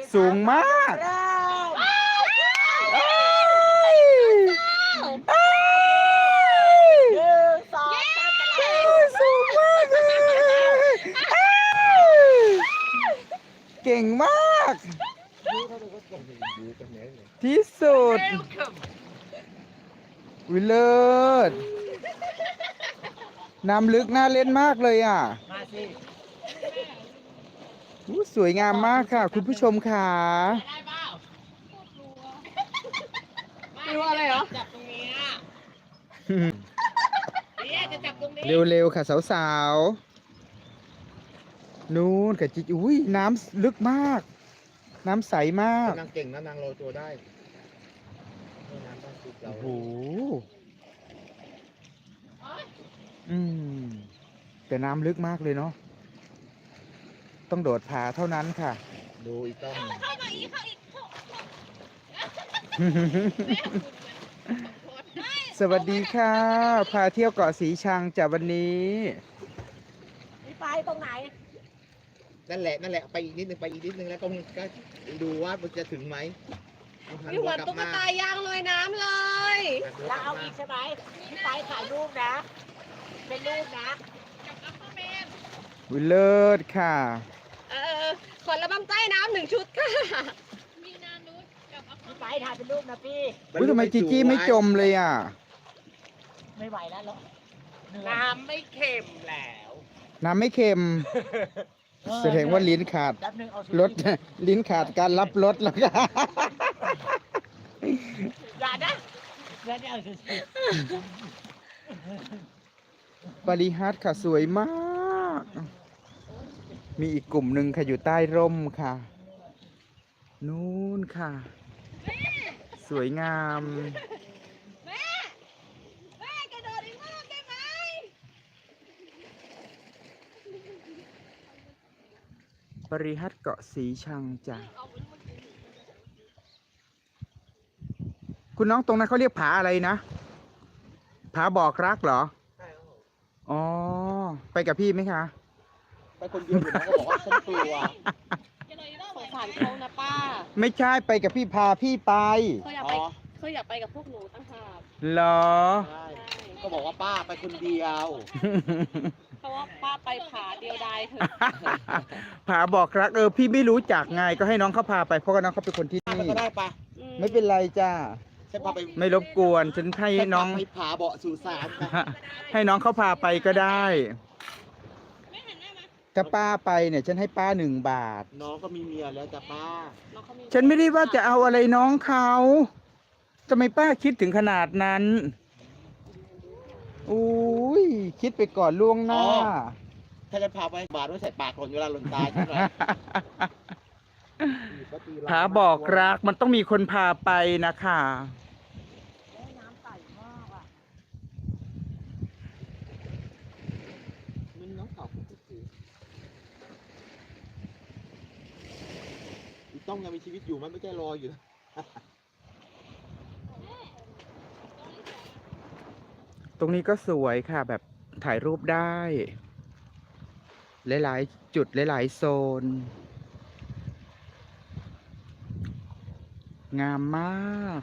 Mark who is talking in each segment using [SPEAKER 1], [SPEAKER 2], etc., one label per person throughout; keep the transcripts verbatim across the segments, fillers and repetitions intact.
[SPEAKER 1] สูงมากสูงมากเก่งมากที่สุดวิเลิศน้ำลึกน่าเล่นมากเลยอ่ะมาสิสวยงามมากค่ะคุณผู้ชมค่ะ
[SPEAKER 2] ไม่รู้อะไรเหรอจับตรงนี้เนี่ยจะจับตรงนี้
[SPEAKER 1] เร็วๆค่ะสาวๆนู่นค่ะจิอุ้ยน้ำลึกมากน้ำใสมาก
[SPEAKER 3] นางเก่งนะนางโรยตัวได้น้ำต้องติดเรา
[SPEAKER 1] โอ้โหอืมแต่น้ำลึกมากเลยเนาะต้องโดดผาเท่านั้นค่ะ
[SPEAKER 3] ดูอีกต้อง
[SPEAKER 2] เข้ามาอีกเข้าอีก
[SPEAKER 1] สวัสดีค่ะพาเที่ยวเกาะสีชังจากวันนี้
[SPEAKER 2] มีไปตรงไหน
[SPEAKER 3] นั่นแหละนั่นแหละไปอีกนิดนึงไปอีกนิดนึงแล้วก็ก็ดูว่ามันจะถึงไหม
[SPEAKER 2] อยู่เหมือนตุ๊กตายางลอยน้ำเลยแล้วเอาอีกใช่ไหมพี่ไปถ่ายรูปนะเป็นรูปนะกับอัปเปอร์แมน
[SPEAKER 1] วิเลิศค่ะ
[SPEAKER 2] เออขอระบำใต้น้ำหนึ่งชุดค่ะมีนานุชกับอัปเปอร์แมนพี่ไปถ่ายเป็นรูปนะพี่
[SPEAKER 1] อุ้ยทำไมจีจี้ไม่จมเลยอ่ะ
[SPEAKER 2] ไม่ไหวแล้วหรอน้ำไม่เค็มแล้ว
[SPEAKER 1] น้ำไม่เค็มแสดงว่าลิ้นขาดรสลิ้นขาดการรับรสแล้วค่ะ
[SPEAKER 2] อย่านะอย่าได้เอาสิ
[SPEAKER 1] ปริฮัทค่ะสวยมาก มีอีกกลุ่มหนึ่งค่ะอยู่ใต้ร่มค่ะนู่นค่ะสวยงาม
[SPEAKER 2] แม่แม่กระโดดอีกรอบได้ไหม
[SPEAKER 1] ปริฮัทเกาะสีชังจ้ะคุณน้องตรงนั้นเขาเรียกผาอะไรนะผาบอกรักเหรออ๋อไปกับพี่ไหมคะ
[SPEAKER 3] ไปคนเดียวอยู่นะก็บอกว่าฉันกลัว
[SPEAKER 2] สงสารเขานะป้า
[SPEAKER 1] ไม่ใช่ไปกับพี่พาพี่ไป
[SPEAKER 2] เขาอยากไปเขาอยากไปกับพวกหนูตั้งหาก
[SPEAKER 1] เหรอ
[SPEAKER 3] ก็บอกว่าป้าไปคนเดียว
[SPEAKER 2] เพราะว่าป้าไปผาเดียวดายเถอะ
[SPEAKER 1] ผาบอกรักเออพี่ไม่รู้จักไงก็ให้น้องเขาพาไปเพราะว่าน้องเขาเป็นคนที่นี่
[SPEAKER 3] ก็ได้ปะ
[SPEAKER 1] ไม่เป็นไรจ้า
[SPEAKER 3] ฉันพาไป
[SPEAKER 1] ไม่รบกวนฉันให้น้อง
[SPEAKER 3] ไปผาเบาะสู่สาร
[SPEAKER 1] ให้น้องเขาพาไปก็ได้ถ้าป้าไปเนี่ยฉันให้ป้าหนึ่งบาท
[SPEAKER 3] น้องก็มีเมียแล้วจ้ะป้า
[SPEAKER 1] ฉันไม่ได้ว่าจะเอาอะไรน้องเขาทำไมป้าคิดถึงขนาดนั้นอุ้ยคิดไปก่อนล่วงหน้า
[SPEAKER 3] ถ้าจะพาไปบาทไว้ใส่ปากหล่นเวลาหล่นตายใช่ไหม
[SPEAKER 1] ผาบอกรักมันต้องมีคนพาไปนะคะ
[SPEAKER 2] น้ำใสมากอ่ะ
[SPEAKER 3] มันน้องเก่าต้องยังมีชีวิตอยู่มันไม่ใช่รออยู่
[SPEAKER 1] ตรงนี้ก็สวยค่ะแบบถ่ายรูปได้หลายๆจุดหลายๆโซนงามมาก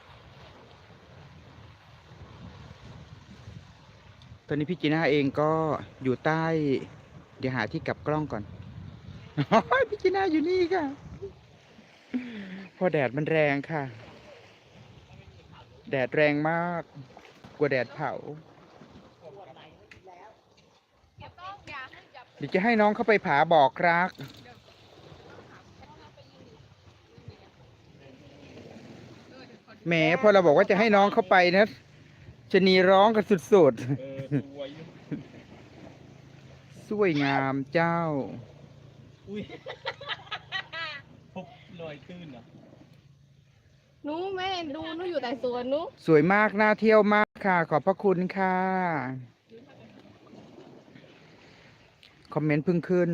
[SPEAKER 1] ตอนนี้พี่จีน่าเองก็อยู่ใต้เดี๋ยวหาที่กลับกล้องก่อนพี่จีน่าอยู่นี่ค่ะเพราะแดดมันแรงค่ะแดดแรงมากกลัวแดดเผาเดี๋ยวจะให้น้องเข้าไปผาบอกรักแหมพอเราบอกว่าจะให้น้องเข้าไปนะชะนีร้องกันสุดๆสวยงามเจ้า
[SPEAKER 3] พบลอยตื้นเหรอ
[SPEAKER 2] หนูแม่ดูหนูอยู่แต่สวนหนู
[SPEAKER 1] สวยมากน่าเที่ยวมากค่ะขอบพระคุณค่ะคอมเมนต์เพิ่งขึ้น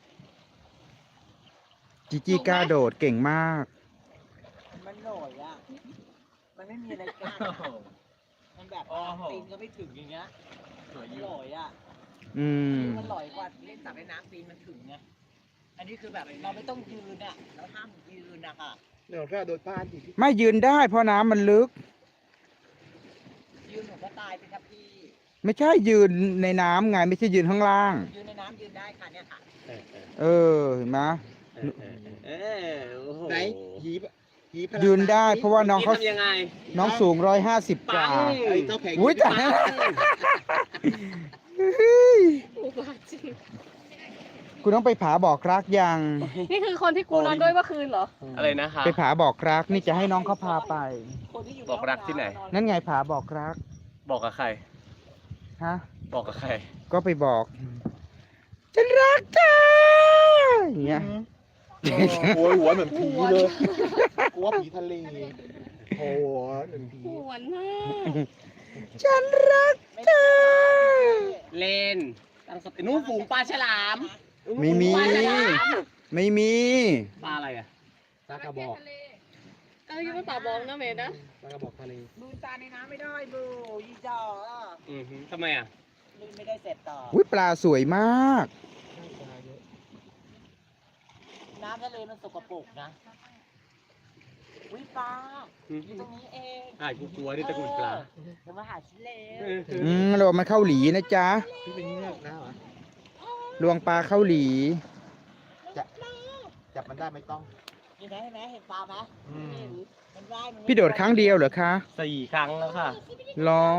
[SPEAKER 1] จีจี้กล้าโดดเก่งมาก
[SPEAKER 3] มันหน่อยอ่ะมันไม่มีอะไรกันมันแบบตีนก็ไม่ถึงอย่างเงี้ยสวยอยู่หน่อยอ่ะ
[SPEAKER 1] อืม
[SPEAKER 3] มันหน่อยกว่าเล่นจับในน้ำตีนมันถึงไงอันนี้นี้คือแบบเราไม่ต้องยืนอ่ะเราห้ามยืนนะคะ
[SPEAKER 4] เดี๋ยวแค่โดนป้านอีก
[SPEAKER 1] ไม่ยืนได้เพราะน้ำมันลึก
[SPEAKER 3] ยืนหนูก็ตายไปครับพี่
[SPEAKER 1] ไม่ใช่ยืนในน้ำไงไม่ใช่ยืนข้างล่าง
[SPEAKER 3] ยืนในน้ำยืนได้ค่ะเนี่ยค่ะ
[SPEAKER 4] เออเออ
[SPEAKER 1] เออเห็นไหม
[SPEAKER 4] เออเออเออโอ้โหไหนหีบหีพลัง
[SPEAKER 1] ยืนได้เพราะว่าน้องเขา
[SPEAKER 4] ทำยังไง
[SPEAKER 1] น้องสูงร้อยห้าสิบก
[SPEAKER 4] ปั
[SPEAKER 1] ว่า
[SPEAKER 4] งไอ้เจ้าแผง
[SPEAKER 1] อุ้ยแต่
[SPEAKER 4] ปัง
[SPEAKER 2] อุบาทจริง
[SPEAKER 1] คุณต้องไปผาบอกรักยัง
[SPEAKER 2] นี่คือคนที่กูนอนด้วยเมื่อคืนเหรอ
[SPEAKER 4] อะไรนะคะ
[SPEAKER 1] ไปผาบอกรักนี่จะให้น้องเขาพาไป
[SPEAKER 3] คนที่อยู่
[SPEAKER 4] บอกรักที่ไหน
[SPEAKER 1] นั่นไงผาบอกรัก
[SPEAKER 4] บอกกับใคร
[SPEAKER 1] ฮะ
[SPEAKER 4] บอกกับใคร
[SPEAKER 1] ก็ไปบอกฉันรักเธออย่างเงี้ย
[SPEAKER 4] โอ้ยหัวเหมือนผีเลยกลัวผีทะเลโอ้โหเหมือนผี
[SPEAKER 2] หวนมาก
[SPEAKER 1] ฉันรักเธอ
[SPEAKER 4] เลนตั้งสตินู้นฝูงปลาฉลาม
[SPEAKER 1] ไม่มี
[SPEAKER 4] ปลาฉลาม
[SPEAKER 1] ไม่มี
[SPEAKER 4] ปลาอะไรอ่ะปลากระบอก
[SPEAKER 2] เออยังไม่ป่าบอกนะเมย์นะ
[SPEAKER 4] ปลากระบอกทะเล
[SPEAKER 3] บูตาในน้ำไม่ได้บูยี่จอ
[SPEAKER 4] อือฮึทำไมอ่ะ
[SPEAKER 3] ลืมไม่ได้เสร็จต่อ
[SPEAKER 1] อุ้ยปลาสวยมาก
[SPEAKER 3] น้ำทะเลมันสกปรกนะวิปลา
[SPEAKER 4] อือ
[SPEAKER 3] อ
[SPEAKER 4] ฮึ
[SPEAKER 3] ยู่ตรงนี้เอง
[SPEAKER 4] อ่ะกูกลัวนี่ตะกุนปลา
[SPEAKER 3] เดี๋ยวมาหาชิ้นเลว
[SPEAKER 1] อืมเรามาเข้าหลีนะจ๊ะ
[SPEAKER 4] พี่เป็นเงือกนะเหรอ
[SPEAKER 1] ลวงปลาเข้าหลี
[SPEAKER 4] จับมันได้ไม่ต้อง
[SPEAKER 3] เห็นไหมเห็นไหมเห็นปลาไหม
[SPEAKER 4] อืม
[SPEAKER 3] เห็นมันว่ายมันไม่
[SPEAKER 1] พี่โดดครั้งเดียวเหรอคะ
[SPEAKER 4] สี่ครั้งแล้วค่ะ
[SPEAKER 1] รอ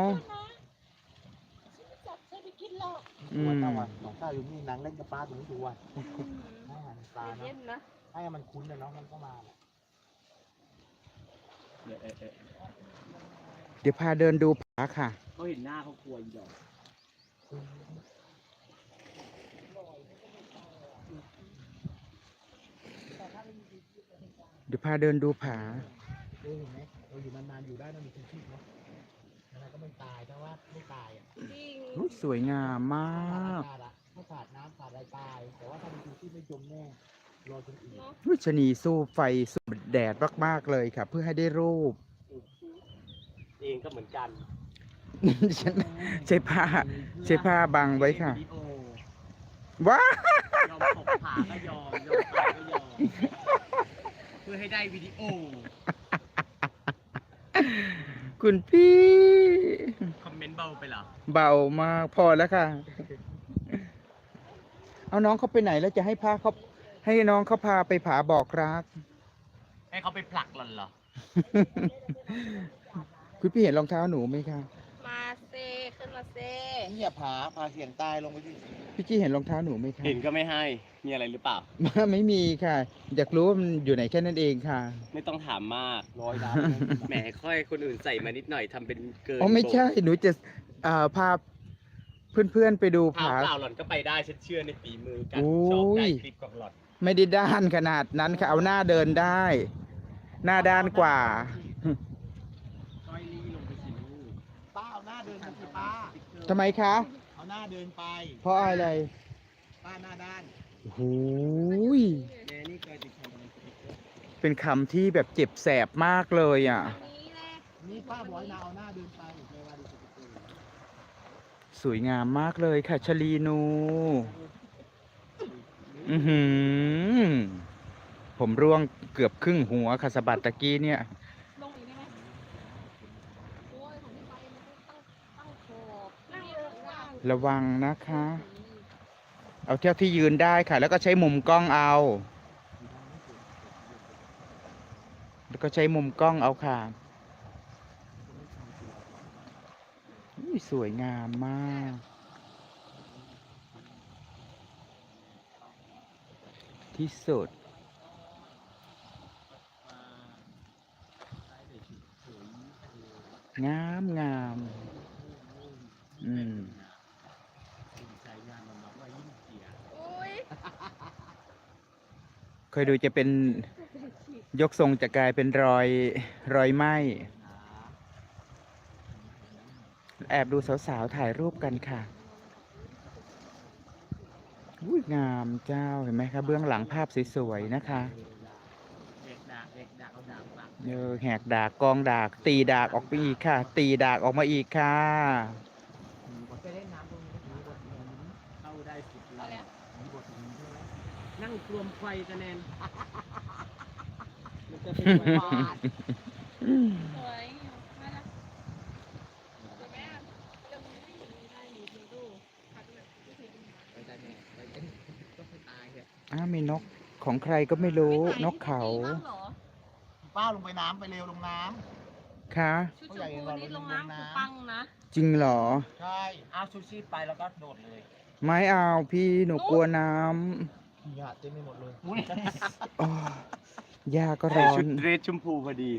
[SPEAKER 3] จับใช้ไปกินหรอก
[SPEAKER 1] อื
[SPEAKER 4] วัน
[SPEAKER 1] ม
[SPEAKER 4] ตะวันสองข้าวอยู่นี่นางเล่นกับปลาตรงนี้ทุกวันให้อาหารปลาเนาะ
[SPEAKER 2] เย็นนะ
[SPEAKER 4] ให้มันคุ้นเลยเนาะมันก็มาแหละเออเออเออ
[SPEAKER 1] เดี๋ยวพาเดินดูผาค่ะ
[SPEAKER 4] เขาเห็นหน้าเขากลัวอีดอก
[SPEAKER 1] เดี๋ยวพาเดินดูผา
[SPEAKER 4] เออเห็นไหมเราอยู่นานๆอยู่ได้ต้องมีชีวิตเนาะแล้วก็ไม่ตายแต่ว่าไม่ตายอ่ะ
[SPEAKER 2] จริง
[SPEAKER 1] อุ๊ยสวยงามม
[SPEAKER 4] ขาด
[SPEAKER 1] าก
[SPEAKER 4] อากาศอะถ้าขาดน้ำขาดอะไรตาย แต่ว่าถ้ามีชีวิตไม่จมแน่รอจนอื่น
[SPEAKER 1] วิชนีสู้ไฟสู้แดดมากๆเลยค่ะ เพื่อให้ได้รูป
[SPEAKER 4] เองก็เหมือนกัน
[SPEAKER 1] ฉันใช้ผ้าใช้ผ้าบังไว้ค่ะ
[SPEAKER 4] วิดีโอ
[SPEAKER 1] ว้าย
[SPEAKER 4] อมตกผาก็ยอมยอมตายก็ยอมเพื่อให้ได้วิดีโอ
[SPEAKER 1] คุณพี่
[SPEAKER 4] คอมเมนต์เบาไปเหรอ
[SPEAKER 1] เบามากพอแล้วค่ะ เอาน้องเขาไปไหนแล้วจะให้พาเขาให้น้องเขาพาไปผาบอกรัก
[SPEAKER 4] ให้เขาไปผลักหล่อนเหรอ
[SPEAKER 1] คุณพี่เห็นรองเท้าหนูไหมคะ
[SPEAKER 2] มาเซขึ้นมาเซ
[SPEAKER 4] นี่อย่าผาผาเสียงตายลงไปดิ
[SPEAKER 1] พี่จี้เห็นรองเท้าหนูไหมคะ
[SPEAKER 4] เห็นก็ไม่ให้ มีอะไรหรือเปล่า
[SPEAKER 1] ไม่มีค่ะ อยากรู้ว่ามันอยู่ไหนแค่นั้นเองค่ะ
[SPEAKER 4] ไม่ต้องถามมากร้อยล้าน แหมค่อยคนอื่นใส่มานิดหน่อยทำเป็นเกิน
[SPEAKER 1] อ๋อไม่ใช่ หนูจะเอ่อพาเพื่อนๆไปดู
[SPEAKER 4] เปล่า
[SPEAKER 1] ผา
[SPEAKER 4] เปล่าหล่อนก็ไปได้ฉันเชื่อในฝีมือการ
[SPEAKER 1] โอ้ย
[SPEAKER 4] ชอบได้คลิปของหล่อน
[SPEAKER 1] ไม่ได้ด้านขนาดนั้นค่ะ เอาหน้าเดินได้ หน้าด้านกว่า
[SPEAKER 4] ก้อยลี่ลงไปสิลูกป้าเอาหน้าเดินมาสิป้า
[SPEAKER 1] ทำไมคะ
[SPEAKER 4] เอาหน้าเดินไป
[SPEAKER 1] เพราะอะไร
[SPEAKER 4] ป้าหน้าด้าน
[SPEAKER 1] โอ้โหย
[SPEAKER 4] แกนี่เคยติดคอม
[SPEAKER 1] เป็นคำที่แบบเจ็บแสบมากเลยอ่ะ
[SPEAKER 2] นี่แหละ
[SPEAKER 4] นี่ป้าบอกให้นาเอาหน้าเดินไปเวลาดิสกุล
[SPEAKER 1] สวยงามมากเลยค่ะชลีนู อือหือ ผมร่วงเกือบครึ่งหัวค่ะสะบัดตะกี้เนี่ย
[SPEAKER 2] ลงอีกได้ไหมโอ้ยของพี่ไปมันต้องตั้งตั้งขอบนั่งเยอะว่าง
[SPEAKER 1] ระวังนะคะ เอาเท่าที่ยืนได้ค่ะ แล้วก็ใช้มุมกล้องเอา แล้วก็ใช้มุมกล้องเอาค่ะอุ๊ยสวยงามมาก ที่สุด งามงามอืม
[SPEAKER 2] อุ้ย
[SPEAKER 1] เคยดูจะเป็นยกทรงจะกลายเป็นรอยรอยไหม้ แอบดูสาวๆถ่ายรูปกันค่ะอุ้ยงามเจ้าเห็นไหมคะเบื้องหลังภาพสวยๆนะคะ
[SPEAKER 4] เด็กดากเด็กดากเอาดาบปัก
[SPEAKER 1] เออแหกดากกองดาก ตีดากออกไปอีกค่ะ ตีดากออกมาอีกค่ะ
[SPEAKER 3] ไปเล่นน้ำตรงนี้
[SPEAKER 4] มีบทนี้เข้าได้สุดเลยมีบทนี้ใช่ไหมนั่ง
[SPEAKER 3] นั่งรวมไฟกันแนนมันจะเป็นไฟบ้าน
[SPEAKER 5] สวยน่ารักสวยไหมอ่ะเรื่องนี้ได้อยู่ดูดูพักเลย
[SPEAKER 1] อ้าวมีนกของใครก็ไม่รู้นกเขา
[SPEAKER 5] บ้างเหรอ
[SPEAKER 4] ป้าลงไปน้ำไปเร็วลงน้
[SPEAKER 1] ค่ะ
[SPEAKER 5] ชุดชมพูนี่ลงน้ำคือปังนะ
[SPEAKER 1] จริงเหรอ
[SPEAKER 4] ำใช่
[SPEAKER 3] เอาชูชีพไปแล้วก็โดดเลย
[SPEAKER 1] ไม่เอาพี่หนูกลัวน้
[SPEAKER 4] ขยะเต็มไปหมดเลย
[SPEAKER 1] ำโอ้ยาก็ร้อน
[SPEAKER 6] ชุดเดรสชมพูพอดี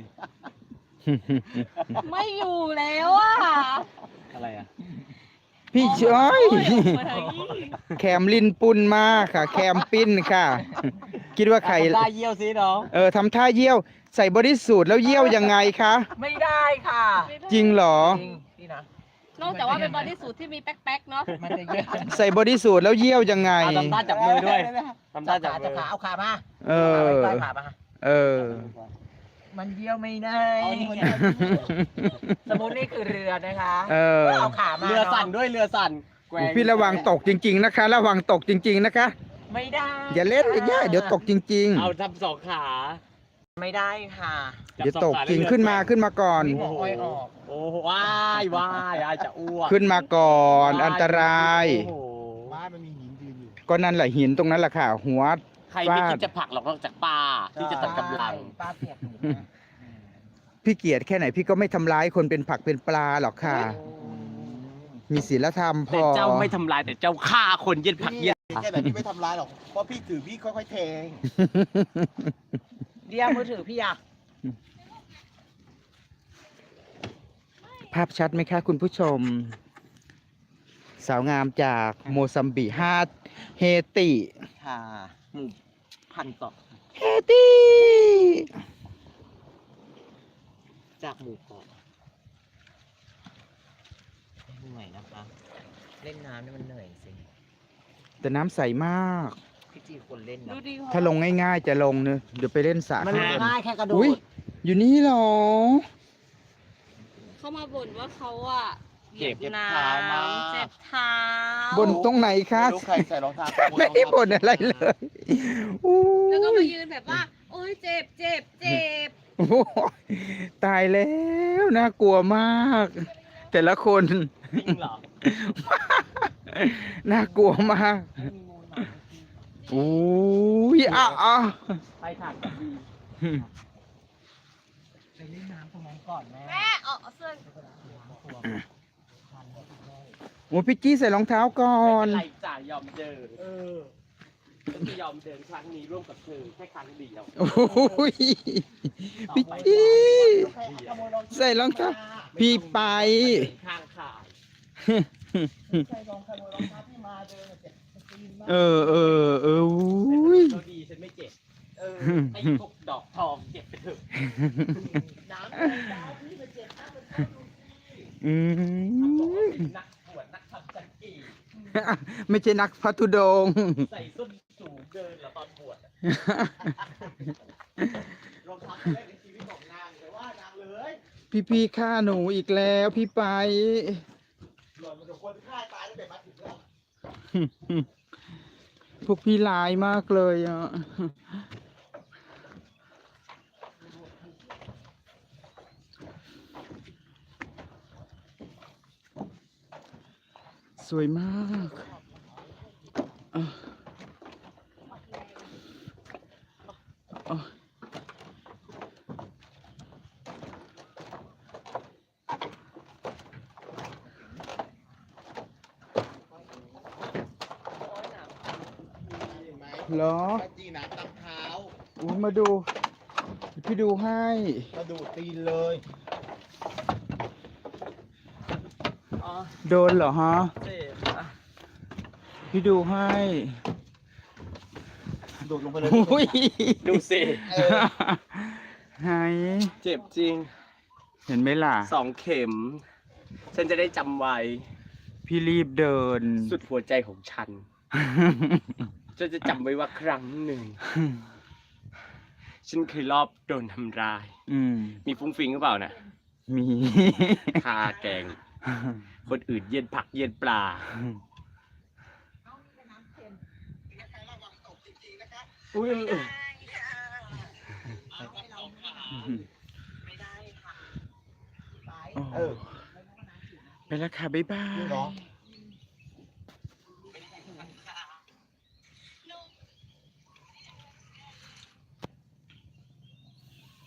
[SPEAKER 5] ไม่อยู่แล้วอ่ะ
[SPEAKER 6] อะไรอ่ะ
[SPEAKER 1] พี่เช้ย
[SPEAKER 5] โอ้ยมาทางนี้
[SPEAKER 1] แคมลินปุนมาค่ะ แคมปิ้นค่ะ คิดว่าใคร
[SPEAKER 3] ได้เยี่ยวสิน้อง
[SPEAKER 1] เออทำท่าเยี่ยว ใส่บอดี้สูทแล้วเยี่ยวยังไงคะ
[SPEAKER 3] ไม่ได้ค่ะ
[SPEAKER 1] จริงเหรอ
[SPEAKER 3] จริงนี่นะ
[SPEAKER 5] นอกจากว่าเป็นบอดี้สูทที่มีแป๊กๆเนาะ
[SPEAKER 3] มันจะเยี่ยว
[SPEAKER 1] ใส่บอดี้สูทแล้วเยี่ยวยังไง
[SPEAKER 6] เอาทำท่าจับมือด้วยทำท่า
[SPEAKER 3] จั
[SPEAKER 6] จั
[SPEAKER 3] บบ ขา
[SPEAKER 6] มื
[SPEAKER 3] จับ
[SPEAKER 6] อ
[SPEAKER 3] ขาเอาขามา
[SPEAKER 1] เออ
[SPEAKER 3] ใกล้ขามา
[SPEAKER 1] เออ
[SPEAKER 3] มันเยี่ยวไม่ได้สมมตินี่คือเรือนะคะ
[SPEAKER 1] เออ
[SPEAKER 3] เอาขามา
[SPEAKER 6] เรือสั่นด้วยเรือสั่นแกว่ง
[SPEAKER 1] พี่ระวังตกจริง ๆ นะคะ ระวังตกจริง ๆ นะคะ
[SPEAKER 3] ไม่ได้
[SPEAKER 1] อย่าเล่นอย่างเงี้ยเดี๋ยวตกจริง
[SPEAKER 6] เอาทำสองขา
[SPEAKER 3] ไม่ได้ค่ะ
[SPEAKER 1] ๆ เดี๋ยวตกจริงขึ้นมาขึ้นมาก่อน
[SPEAKER 3] มีหัวอ้อยออก
[SPEAKER 6] โอ้โหว้ายว้ายอายจะอ้วก
[SPEAKER 1] ขึ้นมาก่อนอันตราย
[SPEAKER 6] โอ้โห
[SPEAKER 4] บ้านมันมีหินยืนอยู่
[SPEAKER 1] ก็นั่นแหละหินตรงนั้นแหละค่ะ หัว
[SPEAKER 6] ใครไม่คิดจะผลักหรอกนอกจากป้าที่จะตัดกำลัง
[SPEAKER 3] ป้าเปียกหนูนะ
[SPEAKER 1] พี่เกียรติแค่ไหนพี่ก็ไม่ทำร้ายคนเป็นผักเป็นปลาหรอกค่ะ มีศีลธรรมพ
[SPEAKER 6] แต่
[SPEAKER 1] อ
[SPEAKER 6] เจ้าไม่ทำลายแต่เจ้าฆ่าคนเย็นผักเย็น
[SPEAKER 4] แค่แบบพี่ไม่ทำร้ายหรอก เพราะพี่ถือพี่ค่อยๆเทง
[SPEAKER 3] เดียวมือถือพี่อะ
[SPEAKER 1] ภาพชัดไหมคะคุณผู้ชม สาวงามจากโมซัมบิกฮาเฮติ
[SPEAKER 3] ค่ะหมู่พันต่อ
[SPEAKER 1] เฮติ
[SPEAKER 3] จากหมู่เกาะเหนื่อยนะคะ เล่นน้ำนี่มันเหนื่อยสิ
[SPEAKER 1] แต่น้ำใสมาก
[SPEAKER 3] พี่จีคนเล่นนะ
[SPEAKER 5] ดูดิ
[SPEAKER 1] ถ้าลงง่ายๆจะลงเนอะเดี๋ยวไปเล่นสระ
[SPEAKER 3] มัน
[SPEAKER 1] ข้างบน
[SPEAKER 3] ง่ายแค่กระโด
[SPEAKER 1] อุ๊ย
[SPEAKER 3] ด
[SPEAKER 1] อยู่นี่เหรอ
[SPEAKER 5] เขามาบ่นว่าเขาอ่ะเหยียบ
[SPEAKER 4] เจ็บ
[SPEAKER 5] น้
[SPEAKER 4] เท้ามาก
[SPEAKER 5] ำเจ็บเท้า
[SPEAKER 1] บนตรงไหนคะ
[SPEAKER 4] ไม่รู้ใครใส่รองเท้า
[SPEAKER 1] ไม่ได้บ่นอะไรเลยอู้
[SPEAKER 5] แล้วก็มายืนแบบว่า โอ๊ยเจ็บเจ็บเจ็บ
[SPEAKER 1] โอ้ยตายแล้วน่ากลัวมาก แต่ละคน
[SPEAKER 6] จริงเหรอ
[SPEAKER 1] น่ากลัวมากโอ้ยอ่ะอ่ะ
[SPEAKER 6] ไปถักกับดี
[SPEAKER 3] ไปเล่นน้ำตรงนั้นก่อนแม่
[SPEAKER 5] แม่เอาเอาเสื้อ
[SPEAKER 1] โอ้พี่จี้ใส่รองเท้าก่อน
[SPEAKER 6] ไม่เป็นไรจ่ายอมเดินเออฉันจะยอมเดินครั้งนี้ร่วมกับเธอแค่ครั้งเดียว
[SPEAKER 1] โอ้ยพี่จี้ใส่รองเท้าพี่ไป
[SPEAKER 6] ข้างขา
[SPEAKER 3] ใส่รองขโมยรองเท้าพี่มาเดินเจ็บตีนมาก
[SPEAKER 1] เออเออเอออุ้ย
[SPEAKER 6] เราดีฉันไม่เจ็บ เออไอ้พวกดอกทองเก็บไปเถอะ
[SPEAKER 3] น้ำเลยน้ำพี่มาเจ็บน้ำมันเข้าดู
[SPEAKER 1] อืม
[SPEAKER 6] นักบวชนักทำจันกี
[SPEAKER 1] ไม่ใช่นักพัทุดงค์
[SPEAKER 6] ใส่ส้นสูงเดินเหรอตอนบวชอะ
[SPEAKER 4] รองเท้าที่แรกในชีวิตของนางแต่ว่านางเลย
[SPEAKER 1] พี่พี่ฆ่าหนูอีกแล้วพี่ไป
[SPEAKER 4] หล่อนมันจะควรฆ่าตายตั้งแต่มาถึงแล้ว
[SPEAKER 1] พวกพี่ร้ายมากเลยอ่ะ สวยมากอ่ะอ่ะเหรอ
[SPEAKER 4] ป้าจีน้ำตำเท้า
[SPEAKER 1] อุ๊ยมาดู พี่ดูให้
[SPEAKER 4] มาดูดตีนเลย
[SPEAKER 1] โดนเหรอฮะ
[SPEAKER 6] เจ็บอะ
[SPEAKER 1] พี่ดูให้
[SPEAKER 4] ดูดลงไปเลย
[SPEAKER 1] อุ้ย
[SPEAKER 6] ดูสิ
[SPEAKER 4] เออ
[SPEAKER 1] ไหน
[SPEAKER 6] เจ็บจริง
[SPEAKER 1] เห็นไหมล่ะ
[SPEAKER 6] สองเข็ม ฉันจะได้จำไว้
[SPEAKER 1] พี่รีบเดิน
[SPEAKER 6] สุดหัวใจของฉัน ฉันจะจำไว้ว่าครั้งหนึ่ง ฉันเคยรอบโดนทำร้าย
[SPEAKER 1] อืม
[SPEAKER 6] มีฟุ้งฟิงหรือเปล่านะ
[SPEAKER 1] มี
[SPEAKER 6] คาแกง คนอื่นเย็นผักเย็นปลาอุ้ย
[SPEAKER 3] ไม่ได้ค่ะไป
[SPEAKER 1] โอ้
[SPEAKER 4] เออ
[SPEAKER 1] ไปแล้วค่ะ บ๊ายบาย
[SPEAKER 4] จริงเหรอ